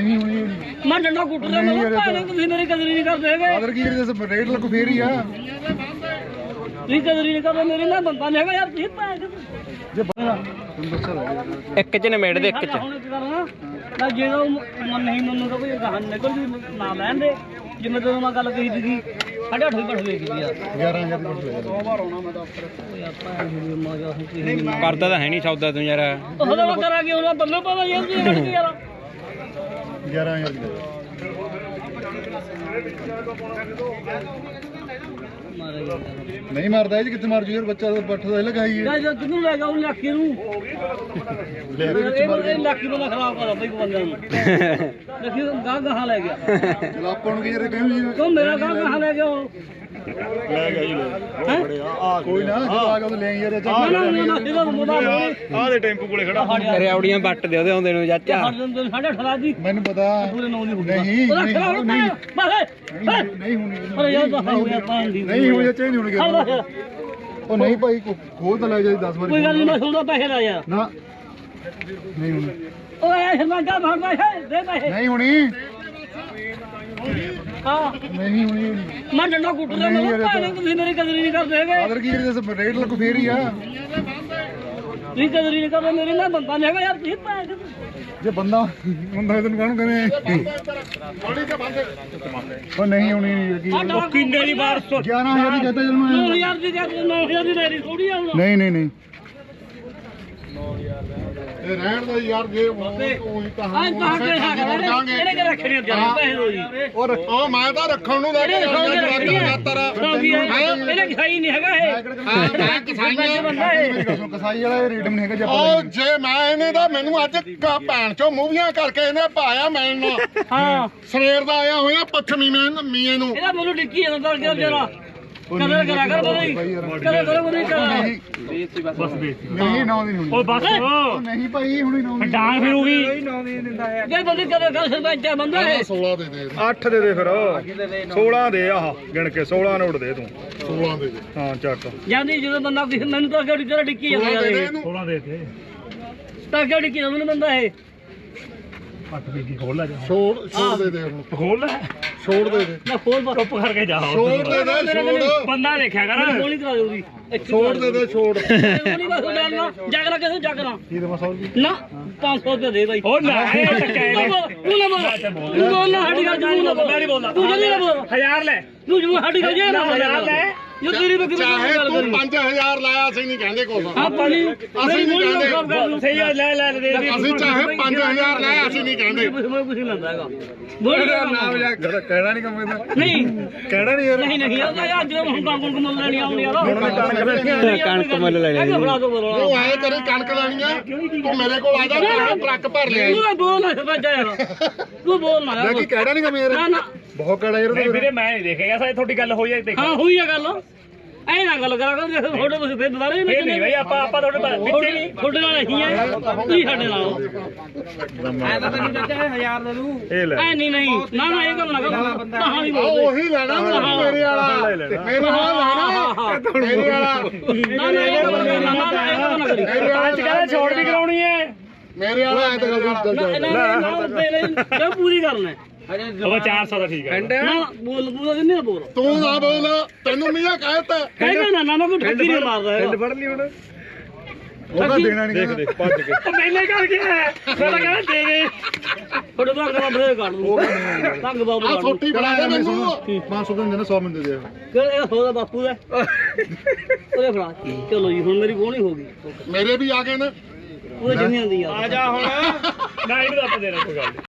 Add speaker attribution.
Speaker 1: ਨਹੀਂ ਹੋਣੀ
Speaker 2: ਮੈਂ ਡੰਡਾ ਕੁੱਟ ਰਿਹਾ ਮੈਂ ਭਾਵੇਂ ਤੁਸੀਂ ਮੇਰੀ ਕਦਰ ਹੀ ਨਹੀਂ ਕਰਦੇ ਹੈਗੇ
Speaker 1: ਆਦਰ ਕੀ ਕਰੀਏ ਰੇਟ ਲੱਗੂ ਫੇਰ ਹੀ ਆ
Speaker 2: ਤੁਸੀਂ ਕਦਰ ਹੀ ਨਹੀਂ ਕਰਦੇ ਮੇਰੀ ਨਾ ਬੰਦਾ ਨਹੀਂ ਹੈਗਾ ਯਾਰ ਤੁਸੀਂ ਭਾਵੇਂ
Speaker 1: ਜੇ ਤੁਹਾਨੂੰ ਦੱਸਿਆ
Speaker 3: ਇੱਕ ਚ ਨਿਮੇੜ ਦੇ ਇੱਕ ਚ
Speaker 2: ਹੁਣ ਕੀ ਕਰਨਾ ਨਾ ਜਦੋਂ ਮਨ ਨਹੀਂ ਮੈਨੂੰ ਤਾਂ ਕੋਈ ਗਾਹਨ ਨਿਕਲ ਜੀ ਨਾ ਲੈਣ ਦੇ ਜਿਵੇਂ ਜਦੋਂ ਮੈਂ ਗੱਲ ਕਹੀ ਸੀਗੀ 8.5 ਵੀ ਬਠ ਵੇਖੀ ਯਾਰ
Speaker 1: 11,000 ਦੀ ਕੁਝ ਲੈ 100 ਵਾਰ ਆਉਣਾ ਮੈਂ ਦਫ਼ਤਰ
Speaker 2: ਯਾਰ ਭਾਵੇਂ ਮਜ਼ਾ ਹੁਣ
Speaker 3: ਕਰਦਾ ਤਾਂ ਹੈ ਨਹੀਂ ਸੌਦਾ ਤੂੰ ਯਾਰ
Speaker 2: ਉਹ ਤਾਂ ਕਰਾਂਗੇ ਉਹਨਾਂ ਬੰਦੇ ਪਤਾ ਯਾਰ ਕੀ ਕੱਢ ਕੇ ਯਾਰ
Speaker 1: 11,000 ਦੀ
Speaker 2: ਮਾਰੇਗਾ
Speaker 1: ਨਹੀਂ ਮਾਰਦਾ ਇਹ ਕਿੱਥੇ ਮਾਰ ਜੂ ਯਾਰ ਬੱਚਾ ਬੱਠ ਦਾ ਲਗਾਈਏ
Speaker 2: ਯਾਰ ਜਦ ਕਿਨੂੰ ਲੈ ਗਿਆ ਉਹ ਲੱਕੀ ਨੂੰ
Speaker 1: ਲੈ ਦੇ ਵਿੱਚ ਮਾਰ
Speaker 2: ਇਹ ਲੱਕੀ ਬੰਦਾ ਖਰਾਬ ਕਰਦਾ ਬਈ ਬੰਦਿਆਂ ਨੂੰ ਲੱਕੀ ਗਾਹ ਗਾਹਾਂ ਲੈ ਗਿਆ
Speaker 1: ਚਲ ਆਪਾਂ ਨੂੰ ਕੀ ਯਾਰ ਕਹਿੰਦੇ ਜੀ
Speaker 2: ਤੂੰ ਮੇਰਾ ਗਾਹ ਗਾਹਾਂ ਲੈ ਗਿਆ ਉਹ
Speaker 1: ਲੈ ਗਿਆ ਜੀ ਲੈ ਆ ਕੋਈ ਨਾ ਜਦੋਂ ਆ ਗਿਆ ਉਹ ਲੈ ਯਾਰ
Speaker 2: ਆ
Speaker 1: ਦੇ ਟੈਂਪੂ ਕੋਲੇ ਖੜਾ
Speaker 3: ਰਿਆਉੜੀਆਂ ਵੱਟ ਦੇ ਉਹਦੇ ਆਉਂਦੇ ਨੂੰ ਚਾਚਾ
Speaker 2: ਸਾਡੇ ਠਲਾ ਦੀ
Speaker 1: ਮੈਨੂੰ ਪਤਾ
Speaker 2: ਪੂਰੇ ਨੌ ਦੀ
Speaker 1: ਨਹੀਂ ਨਹੀਂ
Speaker 2: ਬਸ
Speaker 1: ਨਹੀਂ ਹੋਣੀ
Speaker 2: ਅਰੇ ਯਾਰ ਦਫਾ ਹੋ ਗਿਆ ਪਾਣੀ
Speaker 1: ਨਹੀਂ ਹੋਣੀ ਚੇਂਜ ਹੋਣਗੇ ਉਹ ਨਹੀਂ ਭਾਈ ਖੋਲ ਤਾਂ ਲੈ ਜਾ 10 ਵਾਰੀ
Speaker 2: ਕੋਈ ਗੱਲ ਨਹੀਂ ਮੈਂ ਸੁਣਦਾ ਪੈਸੇ ਲਾ ਯਾਰ
Speaker 1: ਨਾ ਨਹੀਂ ਹੋਣੀ
Speaker 2: ਓਏ ਸ਼ਰਮਾਂਗਾ ਭਰਦਾ ਹੈ ਦੇ ਪੈਸੇ
Speaker 1: ਨਹੀਂ ਹੋਣੀ
Speaker 2: ਹਾਂ
Speaker 1: ਨਹੀਂ ਹੋਣੀ
Speaker 2: ਮੈਂ ਡੰਡਾ ਕੁੱਟ ਰਿਹਾ ਮੈਂ ਭਾਵੇਂ ਤੁਸੀਂ ਮੇਰੀ ਕਦਰ ਹੀ ਨਹੀਂ ਕਰਦੇ ਹੈਗੇ
Speaker 1: ਆਦਰ ਕੀ ਕਰੀਏ ਰੇਟ ਲੱਗੂ ਫੇਰ ਹੀ ਆ
Speaker 2: ਤੁਸੀਂ ਕਦਰ ਹੀ ਨਹੀਂ ਕਰਦੇ ਮੇਰੀ ਨਾ ਬੰਦਾ ਨਹੀਂ ਹੈਗਾ ਯਾਰ ਤੁਸੀਂ ਭਾਵੇਂ
Speaker 1: ਜੇ ਬੰਦਾ ਹੁੰਦਾ ਤੈਨੂੰ ਕਾਹਨੂੰ ਕਹਿੰਦੇ ਉਹ ਨਹੀਂ ਹੋਣੀ
Speaker 2: ਉਹ ਕਿੰਨੇ ਦੀ ਬਾਰ
Speaker 1: 11,000 ਦੀ ਕਹਤਾ ਜਦ ਮੈਂ
Speaker 2: 9000 ਦੀ ਜਾਂ 9000 ਦੀ ਲੈਣੀ ਥੋੜੀ ਆ ਹੁਣ
Speaker 1: ਨਹੀਂ ਨਹੀਂ ਨਹੀਂ ਇਹ ਰਹਿਣ ਦਾ ਯਾਰ ਜੇ ਉਹੀ ਕਹਾਂ
Speaker 2: ਅੱਜ ਤਾਂ ਕੇ ਹੈਗਾ ਇਹਨੇ ਕਿ ਰੱਖਣੇ ਜਰਾ ਪੈਸੇ ਦੋ ਜੀ
Speaker 1: ਉਹ ਮੈਂ ਤਾਂ ਰੱਖਣ ਨੂੰ ਲੈ ਕੇ
Speaker 2: ਇਹਨੇ ਕਿਸਾਈ ਨਹੀਂ ਹੈਗਾ ਇਹ
Speaker 1: ਮੈਂ
Speaker 2: ਕਸਾਈਆਂ ਬੰਦਾ ਇਹ
Speaker 1: ਕਸਾਈ ਵਾਲਾ ਰੇਟ ਨਹੀਂ ਹੈਗਾ ਜੇ
Speaker 4: ਉਹ ਜੇ ਮੈਂ ਇਹਨੇ ਦਾ ਮੈਨੂੰ ਅੱਜ ਭੈਣ ਚੋਂ ਮੂਵੀਆਂ ਕਰਕੇ ਇਹਨੇ ਪਾਇਆ ਮੈਨੂੰ
Speaker 2: ਹਾਂ
Speaker 4: ਸਵੇਰ ਦਾ ਆਇਆ ਹੋਇਆ ਪੱਛਮੀ ਮੀਏ ਨੂੰ
Speaker 2: ਇਹਦਾ ਮੈਨੂੰ ਡਿੱਕੀ ਜਾਂਦਾ ਤਾਂ ਜਰਾ ਕਦਰ ਕਰਾ ਕਰ ਬਈ ਕਦਰ ਕਰੋ ਬਈ ਕਰ
Speaker 1: ਨਹੀਂ ਨੌ ਦੀ ਹੋਣੀ
Speaker 2: ਓਏ ਬਸ
Speaker 1: ਨਹੀਂ ਭਾਈ ਹੁਣੀ ਨੌ ਦੀ
Speaker 2: ਡਾਂਗ ਫਿਰੂਗੀ ਜੇ ਬੰਦੀ ਕਦਰ ਕਰ ਸਰਪੰਚ ਬੰਦਾ ਹੈ
Speaker 4: 16 ਦੇ ਦੇ
Speaker 1: 8 ਦੇ ਦੇ ਫਿਰ 16 ਦੇ ਆਹ ਗਿਣ ਕੇ 16 ਨੋਟ ਦੇ ਤੂੰ
Speaker 4: 16 ਦੇ ਦੇ
Speaker 1: ਹਾਂ ਚੱਕ
Speaker 2: ਜਾਂਦੀ ਜਦੋਂ ਬੰਦਾ ਕਿਸੇ ਮੈਨੂੰ ਤਾਂ ਕਿਹੜੀ ਤਰ੍ਹਾਂ ਡਿੱਕੀ ਜਾਂਦਾ ਯਾਰ ਇਹ
Speaker 1: 16 ਦੇ ਦੇ
Speaker 2: ਤਾਂ ਕਿਹੜੀ ਡਿੱਕੀ ਜਾਂਦਾ ਬੰਦਾ ਇਹ
Speaker 1: 8 ਦੀ ਕੀ ਖੋਲ ਲੈ ਜਾ
Speaker 4: ਛੋੜ ਦੇ ਦੇ ਹੁਣ
Speaker 1: ਖੋਲ ਲੈ
Speaker 4: ਛੋੜ ਦੇ ਦੇ
Speaker 2: ਨਾ ਖੋਲ ਬਸ
Speaker 1: ਚੁੱਪ ਕਰਕੇ ਜਾ
Speaker 4: ਛੋੜ ਦੇ ਦੇ ਛੋੜ
Speaker 2: ਬੰਦਾ ਦੇਖਿਆ ਕਰ ਗੋਲੀ ਕਰਾ ਦੇ ਉਹਦੀ
Speaker 4: ਛੋੜ ਦੇ ਦੇ ਛੋੜ
Speaker 2: ਗੋਲੀ ਬਸ ਲੈਣਾ ਜਗਰਾ ਕਿਸੇ ਜਗਰਾ
Speaker 1: ਕੀ ਦੇ ਮਸੌਲ ਜੀ
Speaker 2: ਨਾ 500 ਰੁਪਏ ਦੇ ਬਾਈ
Speaker 3: ਉਹ ਨਾ ਇਹ ਟੱਕਾ
Speaker 2: ਤੂੰ ਨਾ ਬੋਲ ਤੂੰ ਬੋਲ ਨਾ ਸਾਡੀ ਗੱਲ ਤੂੰ ਨਾ ਬੋਲ ਤੂੰ ਜਲਦੀ ਨਾ ਬੋਲ
Speaker 3: 1000 ਲੈ
Speaker 2: ਤੂੰ ਜੋ ਸਾਡੀ ਗੱਲ ਜੇ ਨਾ ਲੈ ਇਹ ਤੇਰੀ ਬੱਕਰੀ
Speaker 4: ਚਾਹੇ
Speaker 2: ਗੱਲ
Speaker 4: ਤੂੰ
Speaker 2: ਕਰੀ
Speaker 4: 5000 ਲਾਇਆ ਅਸੀਂ ਨਹੀਂ ਕਹਿੰਦੇ ਕੁਛ
Speaker 2: ਆਪਾਂ ਨਹੀਂ
Speaker 4: ਅਸੀਂ ਨਹੀਂ ਕਹਿੰਦੇ
Speaker 3: ਸਹੀ ਆ, ਲੈ ਲੈ ਦੇ
Speaker 4: ਅਸੀਂ ਚਾਹੇ 5000 ਲਾਇਆ ਅਸੀਂ ਨਹੀਂ ਕਹਿੰਦੇ
Speaker 2: ਮੈਂ ਕੁਝ ਨਹੀਂ ਲੈਂਦਾ ਹੈਗਾ ਬੋਲ
Speaker 1: ਨਾਮ ਜਾ ਕਹਿਣਾ ਨਹੀਂ ਕੰਮ ਇਹਦਾ
Speaker 2: ਨਹੀਂ
Speaker 1: ਕਹਿਣਾ ਨਹੀਂ ਯਾਰ
Speaker 2: ਨਹੀਂ ਨਹੀਂ ਉਹ ਯਾਰ ਜਦੋਂ ਹੁਣ ਤਾਂ ਕੋਲ ਮੁੱਲ ਲੈਣੀ ਆਉਂਦੀ ਯਾਰ
Speaker 1: ਹੁਣ ਮੈਂ
Speaker 3: ਕਣਕ ਮੁੱਲ ਲੈ ਲੈਣੀ।
Speaker 2: ਫੜਾ ਦੋ ਬੋਲ
Speaker 4: ਉਹ ਆਏ ਤੇਰੇ ਕਣਕ ਲੈਣੀ ਆ ਤੂੰ ਮੇਰੇ ਕੋਲ ਆ ਜਾ ਟਰੱਕ ਭਰ ਲਿਆ
Speaker 2: ਤੂੰ ਬੋਲ ਨਾ ਸਰਪੰਚ ਯਾਰ ਤੂੰ ਬੋਲ ਨਾ
Speaker 1: ਲੈ ਕੀ ਕਹਿਣਾ ਨਹੀਂ ਕੰਮ ਯਾਰ
Speaker 2: ਨਾ ਨਾ
Speaker 1: ਬਹੁਤ ਕਹਿਣਾ ਯਾਰ
Speaker 3: ਨਹੀਂ ਵੀਰੇ ਮੈਂ ਨਹੀਂ ਦੇਖੇਗਾ ਸਾਡੀ ਤੁਹਾਡੀ ਗੱਲ ਹੋਈ ਹੈ ਦੇਖ
Speaker 2: ਹਾਂ ਹੋਈ ਆ ਗੱਲ ਐ ਨਾ ਗੱਲ ਕਰਾ ਕਰ ਤੁਹਾਡੇ ਤੁਸੀਂ ਫਿਰ ਦੁਬਾਰਾ
Speaker 3: ਫੇਰ ਨਹੀਂ ਬਈ ਆਪਾਂ ਤੁਹਾਡੇ ਵਿੱਚ ਨਹੀਂ
Speaker 2: ਤੁਹਾਡੇ ਨਾਲ ਅਸੀਂ ਆ ਤੁਸੀਂ ਸਾਡੇ ਨਾਲ
Speaker 3: ਐ ਤਾਂ ਤੈਨੂੰ ਚਾਚਾ 1000 ਦੇ ਦੂ
Speaker 1: ਇਹ ਲੈ
Speaker 2: ਐ ਨਹੀਂ ਨਹੀਂ ਨਾ ਨਾ ਇਹ ਗੱਲ ਨਾ ਕਰ ਤਾਂ ਨਹੀਂ
Speaker 4: ਆਹ
Speaker 2: ਬੋਲਦੇ
Speaker 4: ਉਹੀ ਲੈਣਾ ਮੇਰੇ ਵਾਲਾ ਮੇਰੇ ਵਾਲਾ ਲੈਣਾ ਮੇਰੇ ਵਾਲਾ
Speaker 2: ਨਾ ਨਾ ਇਹ ਗੱਲ ਨਾ ਕਰੀ
Speaker 3: ਅੱਜ ਕਹਿੰਦਾ ਛੋੜ ਵੀ ਕਰਾਉਣੀ ਹੈ
Speaker 4: ਮੇਰੇ ਵਾਲਾ ਐ ਤਾਂ ਗੱਲ
Speaker 2: ਨਾ ਨਾ ਨਾ ਪਹਿਲੇ ਪੂਰੀ ਕਰਨਾ
Speaker 3: ਉਹ 400 ਦਾ ਠੀਕ ਹੈ
Speaker 2: ਨਾ ਬੋਲ ਪੂਰਾ ਕਿੰਨੇ ਦਾ ਬੋਲ
Speaker 4: ਤੂੰ ਨਾ ਬੋਲ ਤੈਨੂੰ ਮੀਆਂ ਕਹਿਤਾ
Speaker 2: ਕਹਿੰਦਾ ਨਾ ਨਾ ਮੈਂ ਕੋਈ ਠੱਗੀ ਨਹੀਂ ਮਾਰਦਾ ਹੈਗਾ
Speaker 1: ਫੜ ਲਈ ਹੁਣ ਉਹਦਾ ਦੇਣਾ ਨਹੀਂ ਦੇਖ ਦੇਖ ਭੱਜ ਕੇ
Speaker 2: ਮੈਨੇ ਕਰ ਗਿਆ ਮੈਂ ਤਾਂ ਕਹਿੰਦਾ ਦੇ ਦੇ ਤੁਹਾਡੇ ਤੋਂ ਅਗਲਾ ਬਰੇ ਕੱਢ ਲੂ ਤੰਗ ਬਾਬੂ
Speaker 4: ਆ
Speaker 2: ਕੱਢ ਲੂ
Speaker 4: ਛੋਟੀ ਬਣਾ ਦੇ ਮੈਨੂੰ
Speaker 1: 500 ਦਿਨ ਦੇ 100 ਮਿੰਟ ਦੇ ਦੇ
Speaker 2: ਫਿਰ ਇਹ ਹੋਦਾ ਬਾਪੂ ਦਾ ਉਹਦੇ ਫੜਾ ਚਲੋ ਜੀ ਹੁਣ ਮੇਰੀ ਬੋਣੀ ਹੋ ਗਈ
Speaker 4: ਮੇਰੇ ਵੀ ਆ ਗਏ ਨੇ
Speaker 2: ਉਹ ਜਿੰਨੀ ਆਂਦੀ ਆ
Speaker 3: ਆ ਜਾ ਹੁਣ ਨਾ ਇਹਨੂੰ ਆਪਾਂ ਦੇਣਾ ਕੋਈ ਗੱਲ